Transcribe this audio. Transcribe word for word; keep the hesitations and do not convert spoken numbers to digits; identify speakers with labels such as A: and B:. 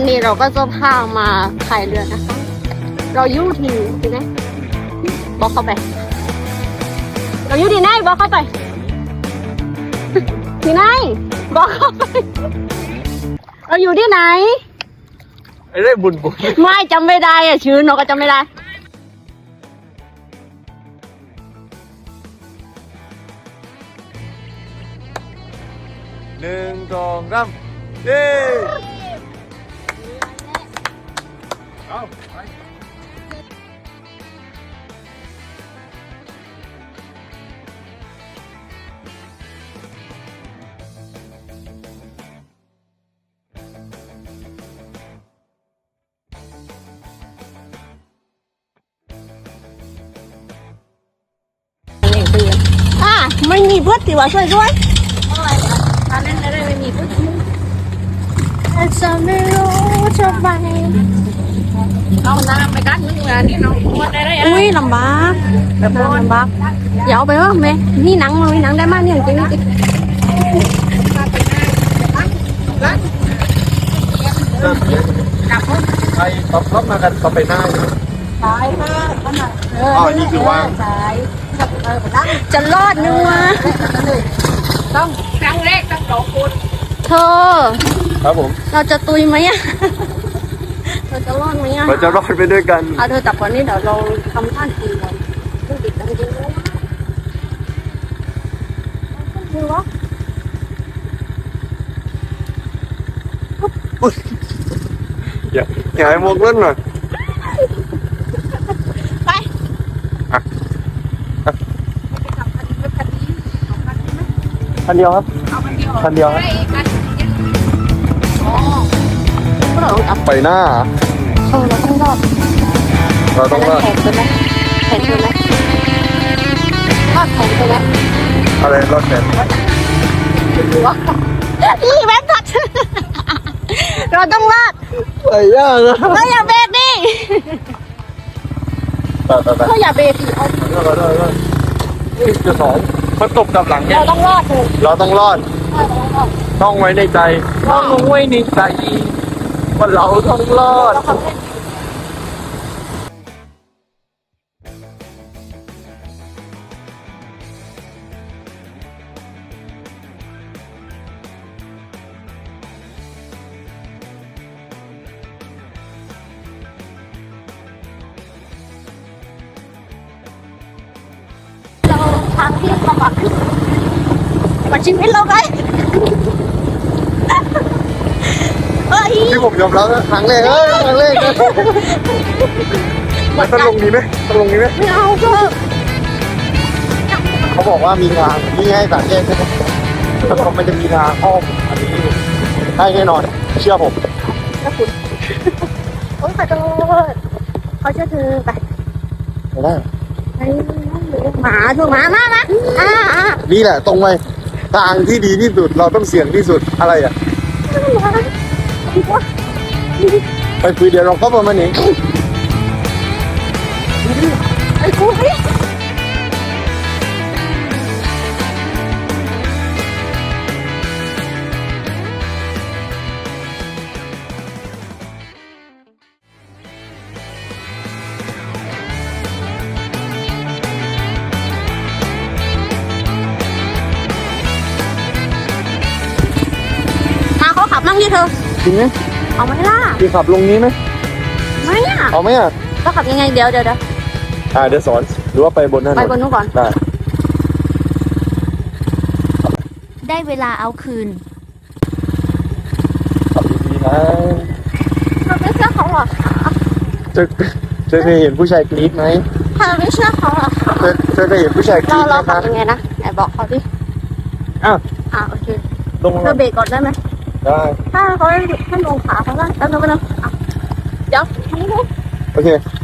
A: นี้เราก็จะพามาพายเรือนะคะเราอยู่ที่ที่ไหนบอกเข้าไปเราอยู่ที่ไหนบอกเข้าไปที่ไหนบอกเข้าไปเราอยู่ที่ไหน
B: ไอ้เรื่องบุญบุญ
A: ไม่จำไม่ได้อะชื่อเราก็จำไม่ได้
B: หนึ่งสองสามเย้เอาไป
A: อ่ะไม่มีเพื่อนติว่าช่วยด้วยตอนนั้นเลยไม่มีเพื่อนแต่จะไม่รู้จะไปเอาน้ำไปกันนึงนะนี่น้องได้ได้อุ้ยลำบากแบบลำบากอย่าเอาไปเถอะแม่นี่หนังมันมีหนังได้มากเนี่ยจริงจริง
B: ไปตบท็อปมากันต่อไปหน้า
A: ใช่ค่ะขนาด
B: อ๋อนี่คือว่าง
A: จะรอดนึงวะต้องครั้งแรกต้องสองคนเธอ
B: ครับผม
A: เราจะตุยไหมอะเราจะรอดไหมอะ
B: เราจะรอดไปด้วยกัน
A: อ่ะเธอจับก่อนนี่เดี๋ยวเราทำท่าทีก่อนต้องติดจริงๆนะคือวะ
B: อย่าอย่าให้มกเล่นหน่อย
A: ไป
B: คันเดียวครับคันเดียวครับไปหน้า
A: เออเราต้องรอด
B: เราต้องรอด
A: แข่งไปไหมแข่งไปไหมรอดแข่งไปไหม
B: อะไรรอดแข่ง
A: อีแม่ทัดเราต้องรอด
B: ไปยากอะ
A: เราอย่าเบรกดิเราอย่าเบรกดิเอา
B: จะสองมันตกกับหลังเนี่ย
A: เราต้องรอดเลย
B: เราต้องรอดต้องไว้ในใจต้องไว้ในใจว่าเราต้องรอด
A: ทางที่ลำบากขึ้นมาชีวิตเราไงเฮ้ย
B: ที่ผมยอมรับนะครั้งแรกเอ้ยครั้งแรกนะมันต้องลงนี้ไหมต้องลงนี้ไหม
A: ไม่เอาเถอะ
B: เขาบอกว่ามีทางนี่ให้สามแยกใช่ไหมแต่เขาไม่จะมีทางอ้อมอันนี้ได้แน่นอนเชื่อผม
A: แล้วคุณโอ้ยขอโทษเขาจะถือไป
B: ไม่ได้
A: หมาถูกหมามามาอ่าอ่า
B: นี่แหละตรงไปทางที่ดีที่สุดเราต้องเสี่ยงที่สุดอะไรอ่ะไปคุยเดี๋ยวเราเข้ามาเนี่ย
A: ไอ้กูนี่ขับมั่งดิเธอ
B: จริงไหม
A: เอาไหมล่ะ
B: พี่ขับลงนี้ไหม
A: ไม่อ่ะ
B: เอาไหมอ่ะ
A: ก็ขับยังไงเดี๋ยวเดี๋ยวเดี๋ยว
B: อ่าเดี๋ยวสอนหรือว่าไปบนนั่น
A: ไปบนนู้นก่อน
B: ได้
A: ได้เวลาเอาคืน
B: ขับดีๆนะ
A: เธอไม่เชื่อเขาหรอ
B: เธอเธอเคยเห็นผู้ชายกรี๊ดไหม
A: เธอไม่เชื่อเขาหรอ
B: เธอเธอเคยเห็นผู้ชายกรี๊ดไหม
A: เราขับยังไงนะไหนบอกเขาดิ
B: อ้าว
A: อ่าโอเคเธอเบรกก่อนได้ไหม
B: ได้
A: ถ้าเขาให้ลงขาเขาก็แล้วเราก็เนาะเดี๋ยวทำนี้ดู
B: โอเค